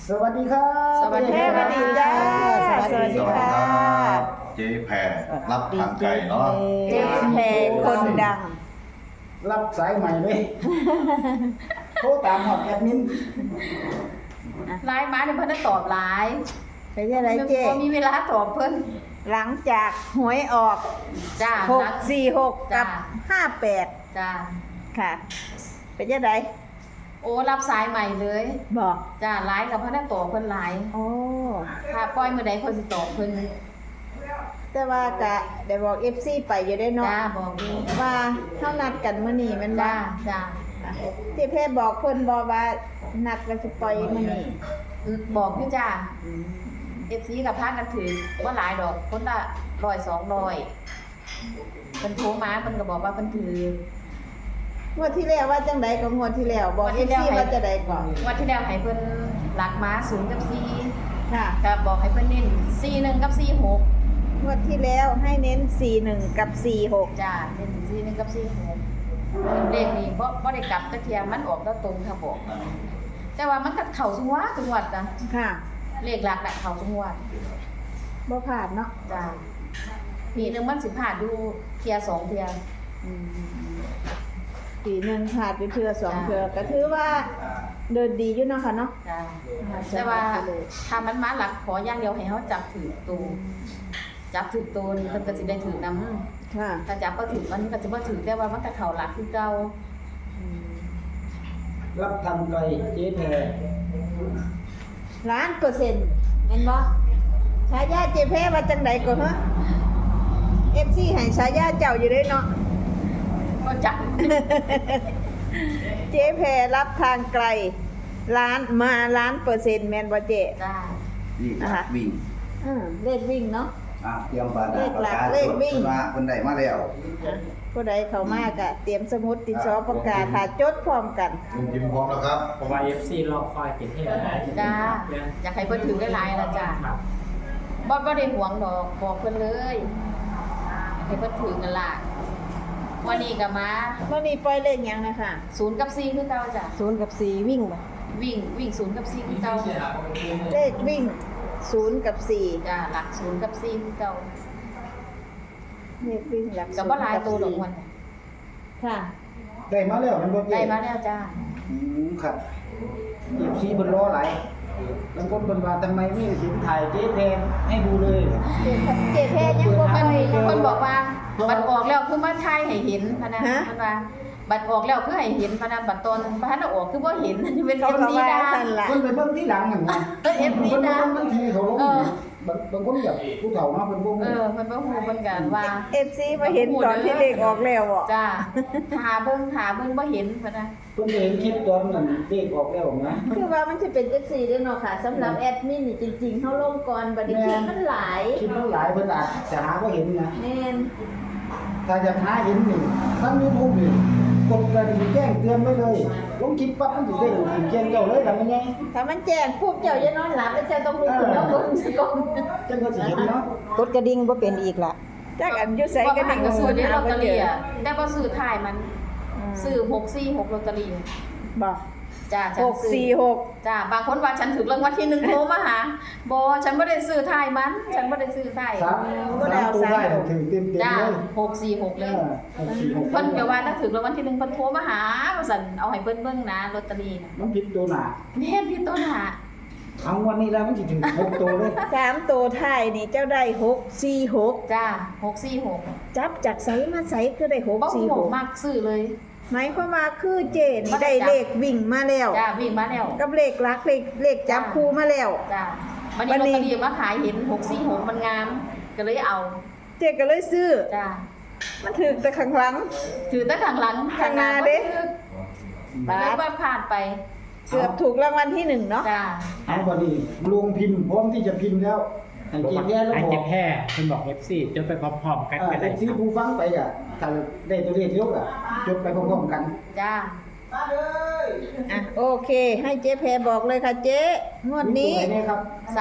สวัสดีครับสวัสดีค่ะสวัสดีจ้าสวัสดีค่ะเจ๊แพรรับทางไกลเนาะเจ๊แพรคนดังรับสายใหม่เลยโทรตามหอดแอดมินไลน์มาเนี่ยเพิ่นได้ตอบไลน์เป็นยังไงเจ๊บ่มีเวลาตอบเพิ่นหลังจากหวยออกจ้า 646 กับจ้า 58 ค่ะ เป็นยังไงโอ้รับสายใหม่เลยบอกจ้าไลน์กับเพิ่นได้ตอบเพิ่นไลน์โอ้ถ้าปล่อยมื้อใดเพิ่นสิตอบเพิ่นแต่ว่ากะได้บอก FC ไปอยู่ได้เนาะจ้าบอกอยู่ว่าเฮานัดกันมื้อนี้แม่นบ่จ้าเจ๊แพรบอกเพิ่นบ่ว่านัดว่าสิปล่อยมื้อนี้บอกอยู่จ้า FC กับพากันถือบ่หลายดอกคนละ100 200เพิ่นโทรมาเพิ่นก็บอกว่าเพิ่นถืองวดที่แล้วว่าจังไดก็งวดที่แล้วบอก FC ว่าจะได้ก่อนวันที่แล้วให้เพิ่นหลักมา0กับ4 ค่ะก็บอกให้เพิ่นเน้น41กับ46 งวดที่แล้วให้เน้น 41 กับ 46 จ้าเป็น41กับ46เลขนี้บ่ได้กลับจักเที่ยมันออกแล้วตรงค่ะบอกแต่ว่ามันก็เข้าทุกงวดจ้ะค่ะเลขหลักน่ะเข้าทุกงวดบ่ผ่านเนาะจ้าปีหนึงมันสิผ่านดูเที่ย2เที่ยปีหนึงผ่านไปเทื่อสองจ้ะเทื่อก็ถือว่าเดินดีอยู่เนาะค่ะเนาะจ้าแต่ว่าถ้ามันมาหลักขออย่างเดียวให้เฮาจับถือตัวจับถือตัวนี่เพิ่นก็สิได้ถือนำค่ะถ้าจับบ่ถือมันก็สิบ่ถือแต่ว่ามันก็เข้าหลักคือเก่ารับทำไกลเจ๊แพร 1,000,000%แม่นบ่ฉายาเจแพ้ว่าจังไดก็ฮะ FC ให้ฉายาเจ้าอยู่เด้เนาะก็จับเจ๊แพรรับทางไกล1,000,000%แม่นบ่เจ๊จ้านี่นะคะวิ่งเลขวิ่งเนาะเตรียมปากเลขหลักปากกาเลขวิ่งจดมาคนใดมาแล้วผู้ใดเข้ามากะเตรียมสมุดติดซอปากกาถ้าจดพร้อมกันลุงจิมพร้อมแล้วครับเพราะว่า FC รอคอยติดให้หลายจ้าอยากให้เพิ่นถือหลายๆล่ะจ้าครับบ่ได้หวงดอกบอกเพิ่นเลยให้เพิ่นถือกันล่ะวันนี้ก็มาเมื่อนี้ปล่อยเลขหยังนะคะ 0กับ4คือเก่าจ้ะ 0 กับ 4 วิ่งบ่วิ่ง0กับ4คือเก่าเลขวิ่ง0 กับ 4 จ้าหลัก0กับ4คือเก่าเลขวิ่งหลักก็บ่หลายตัวดอก 0 มันค่ะได้มาแล้วมันบ่เจ๊ได้มาแล้วจ้าครับเอฟซีเพิ่นรอหลายบางคนเพิ่นว่าทำไมไม่สินถ่ายเจ๊แพรให้ดูเลยเจแพ้ยังบ่เพิ่ค่นอยเพิ่นบอกว่าบัตรออกแล้วคือมาถ่ายให้เห็นพะนะฮะเพิ่นว่าบัตรออกแล้วคือให้เห็นพะนะบัตรตอนบ่ทันได้ออกคือบ่เห็นเป็นเขาก็ FC ว่าดาซั่นล่ะเพิ่นไปเบิ่งที่หลังนั่นนะ FC เพิ่นดาบางทีเขาลงเออบางคนแบบผู้เฒ่าเนาะเพิ่นบ่เอฮู้อเพิ่นบ่ฮู้เพิ่นกันว่า FC มาเห็นตอนที่เลขออกแล้วอ่ะจ้าหาเบิ่งบ่เห็นพะนะเพิ่นเห็นคลิปตอนนั้นเลขออกแล้วนะคือว่ามันจะเป็นจังซี่เด้อเนาะค่ะสำหรับแอดมินนี่จริงๆเฮาลงก่อนบัดนี้คลิปมันหลายคลิปมันหลายเพิ่นอาจจะหาบ่เห็นนะแม่นถ้าอยากหาเห็นนี่ทั้ง YouTube นี่กดกระดิ่งแจ้งเตือนไว้เลยลงคลิปปั๊บมันสิได้ถึงแจ้งเจ้าเลยทำยังไงถ้ามันแจ้งปุ๊บเจ้าอย่านอนหลับแล้วเจ้าต้องลุกขึ้นแล้วเบิ่งสิก่อนจังก็สิเห็นเนาะกดกระดิ่งบ่เป็นอีกล่ะจักอันอยู่ไสบ่กันหันก็ซื้อได้ลอตเตอรี่อ่ะแต่บ่ซื้อท้ายมันซื้ซื้อ646ลอตเตอรี่บ่จ้าฉันซื้อ 646 จ้าบางคนว่าฉันถูกรางวัลที่1โทรมาหาบ่ฉันบ่ได้ซื้อท้ายมัน ฉันบ่ได้ซื้อท้ายสามตัวได้ถึงเต็มจ้าเลย 646เลย 646 เพิ่นก็ว่าถ้าถูกรางวัลที่1เพิ่นโทรมาหาว่าซั่นเอาให้เพิ่นเบิ่งนะลอตเตอรี่น่ะมันผิดตัวหนาแม่นพี่ต้นหาเอาวันนี้แล้วมันสิถึง6ตัวเลย 3ตัวท้ายนี่เจ้าได้646 จ้า646 จับจากไสมาไสคือได้บ่ฮู้มักซื้อเลยหมายความว่าคือเจนได้เลขวิ่งมาแล้วจ้าวิ่งมาแล้วกับเลขลักเลขจับคู่มาแล้วจ้าวันนี้ลอตเตอรี่มาขายเห็น646มันงามก็เลยเอาเจก็เลยซื้อจ้ามันถึกแต่ข้างหลังถือแต่ข้างหลังข้างหน้าเด้มันเลยว่าผ่านไปเกือบถูกรางวัลที่1เนาะจ้าเอาวันนี้ลงพิมพ์พร้อมที่จะพิมพ์แล้วให้เจ๊แย่แล้วไอ้บอเจ็กบแพ้คุณบอก FC จนไปพร้อมๆกันก็ได้ที่ผู้ฟังไปอ่ะถ้าได้ตัวเลขยกอ่ะจดไปพร้อมๆกันจ้าอ่ะโอเค ให้เจ๊แพรบอกเลยค่ะเจ๊งวดนี้ตัวไหครับ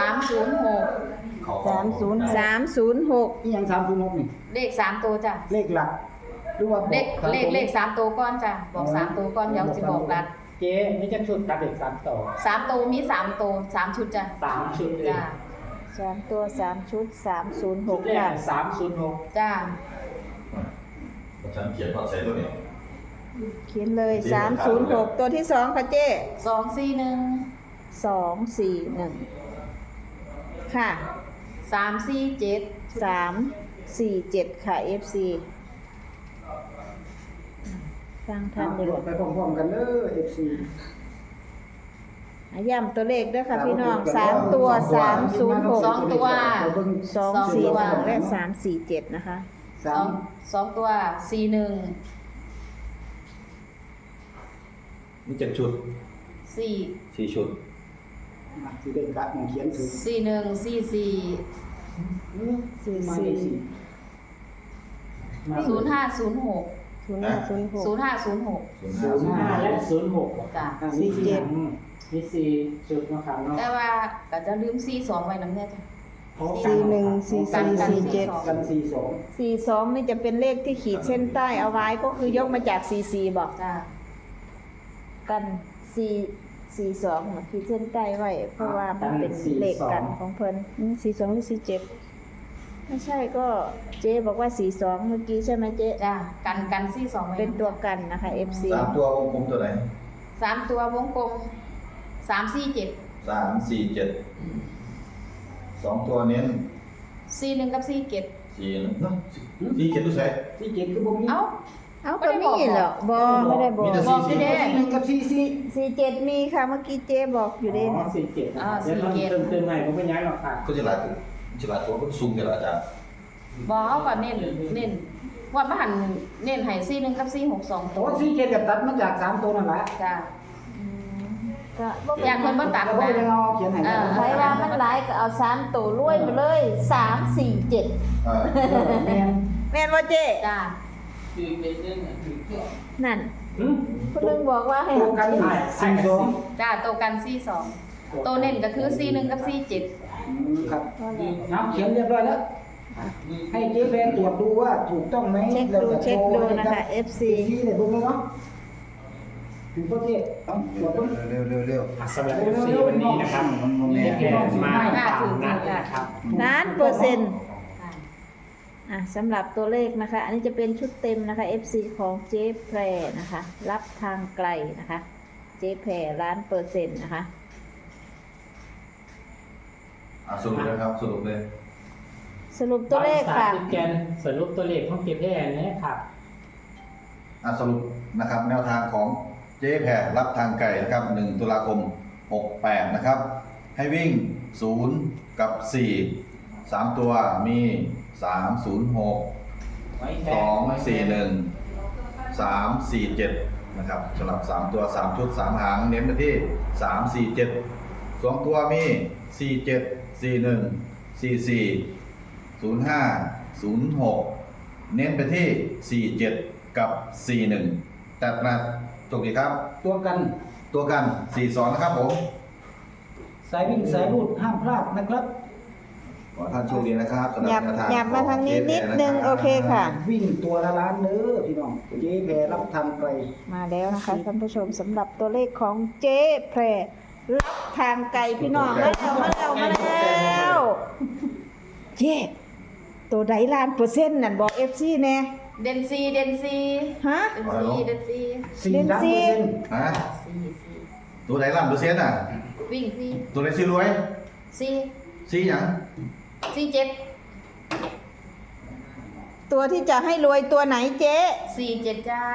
306 306 อีหยัง306นี่เลข3ตัวจ้ะเลขหลักหรือว่าบอกเลข3ตัวก่อนจ้ะบอก3ตัวก่อนเดี๋ยวสิบอกหลักเจ๊นี่จะชุดกับเด็ก3 ตัว 3ตัวมี3ตัว3ชุดจ้ะ 3 ชุดเลยจ้า 3 ตัว 3 ชุดชุด 306 แรค่ะก306 จ้าฉันเขียนว่าใส่ตัวนี้เขียนเลย 306 ตัวที่ 2 ค่ะเจ๊ 241 241 ค่ะ 347 347 ค่ะ FC ฟังทันเอาอยู่ไปพร้อมๆกันเด้อ FC ย้ำตัวเลขด้วยค่ะพี่น้อง 3 ตัว 306 2 ตัว 246 และ 347 นะคะ 2 ตัว41 นี่7 ชุด 4 4 ชุดสิได้กะมองเขียนถูก 41 44 มาเลขสี่ 0506 0506 0506 05และ06 จ้ะ 47 มี4ชุดนะครับเนาะแต่ว่าก็จะลืม42ไว้นำแน่จ้ะ 41 44 47 กัน42 42 นี่จะเป็นเลขที่ขีดเส้นใต้เอาไว้ก็คือยกมาจาก 44 บอกจ้ะกัน42นะขีดเส้นใต้ไว้ เพราะว่ามันเป็นเลขกันของเพิ่น42หรือ47ไม่ใช่ก็เจ๊บอกว่า42เมื่อกี้ใช่ไหมเจ๊จ้ะกัน42ไว้เป็นตัวกันนะคะ FC 3 ตัววงกลมตัวไหน 3ตัววงกลม347 3 4 7 2 ตัวเน้น 41กับ47 4เนาะ4 7ดูใส่ที่เจ็ดคือบ่มีเอ้าเอาก็มีเหรอไม่ได้บอกมีแต่บอกอยู่เด้หนึ่งกับ44 47 มีค่ะเมื่อกี้เจ๊บอกอยู่เด้อ๋อเนี่ย 47นะอ่าเดี๋ยวเรา 47 เติมใหม่ผมไม่ย้ายหรอกค่ะก็จะหลายตัวก็ซูมกันละอาจารย์บอกเขาก็เน้นว่าบ้านเน้นให้41กับ462 โอ้ตัว 47ก็ตัดมาจาก3ตัวนั่นแหละจ้ะก็บ่อยากเพิ่นบ่ตัดบ่นะได้เอาเขียนให้ใครว่ามันหลายก็เอา3ตัวรวยไปเลย3 4 7 แม่นแม่นบ่เจ๊จ้ะนั่นหืมคุณลุงบอกว่าให้ตัวกัน42 จ้ะตัวกัน42ตัวเน้นก็คือ41กับ47 ครับน้ำเขียนเรียบร้อยแล้ว ให้เจ๊แฟนตรวจดูว่าถูกต้องไหมเช็คดูนะคะ FC ที่เนี่ยเบิ่งเลยเนาะถึงประเทศต้องตรวจเบิ่งเร็วสำหรับ FC วันนี้นะครับเจ๊แพรมาตามนัดนะครับล้านเปอร์เซ็นต์สำหรับตัวเลขนะคะ อันนี้จะเป็นชุดเต็มนะคะ FC ของเจ๊แพรนะคะ รับทางไกลนะคะ เจ๊แพรล้านเปอร์เซ็นต์นะคะสรุปเลยครับสรุปเลยสรุปตัวเลขค่ะแกนสรุปตัวเลขของเจ๊แพรนะครับสรุปนะครับแนวทางของเจ๊แพรรับทางไก่นะครับ1 ตุลาคม 68นะครับ ให้วิ่ง0กับ4 3 ตัวมี306 241 347นะครับสำหรับ3ตัว3ชุด3หางเน้นไปที่347 2ตัวมี47 41 44 05 06เน้นไปที่47กับ41แต่ประจบดีครับตัวกันตัวกัน42นะครับผมสายวิ่งสายรูดห้ามพลาดนะครับขอท่านโชคดีนะครับสำหรับหยับแนวทางหยับมาทางนี้นิดนึงขโอเคค่ะวิ่งตัวละล้านเด้อพี่น้องเจ๊แพรรับทางไกลมาแล้วนะคะท่านผู้ชมสำหรับตัวเลขของเจ๊แพรรับทางไกลพี่น้องมาแล้วเจ๊ตัวใดล้านเปอร์เซ็นต์นั่นบอก FC แน่เดนซีฮะเดนซี 4 ล้านเปอร์เซ็นต์ฮะตัวไหนล้านเปอร์เซ็นต์อ่ะวิ่งซีตัวไหนซื้อรวยซีซีหยัง 47 ตัวที่จะให้รวยตัวไหนเจ๊ 47จ้า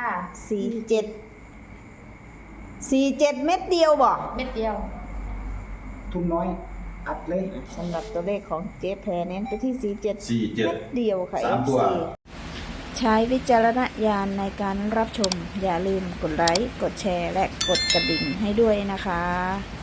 47 เม็ดเดียวบอกเม็ดเดียวทุนน้อยอัดเลยสำหรับตัวเลขของเจ๊แพรเน้นไปที่ 47 47 เม็ดเดียวค่ะ 3 ตัว FC ใช้วิจารณญาณในการรับชมอย่าลืมกดไลค์กดแชร์และกดกระดิ่งให้ด้วยนะคะ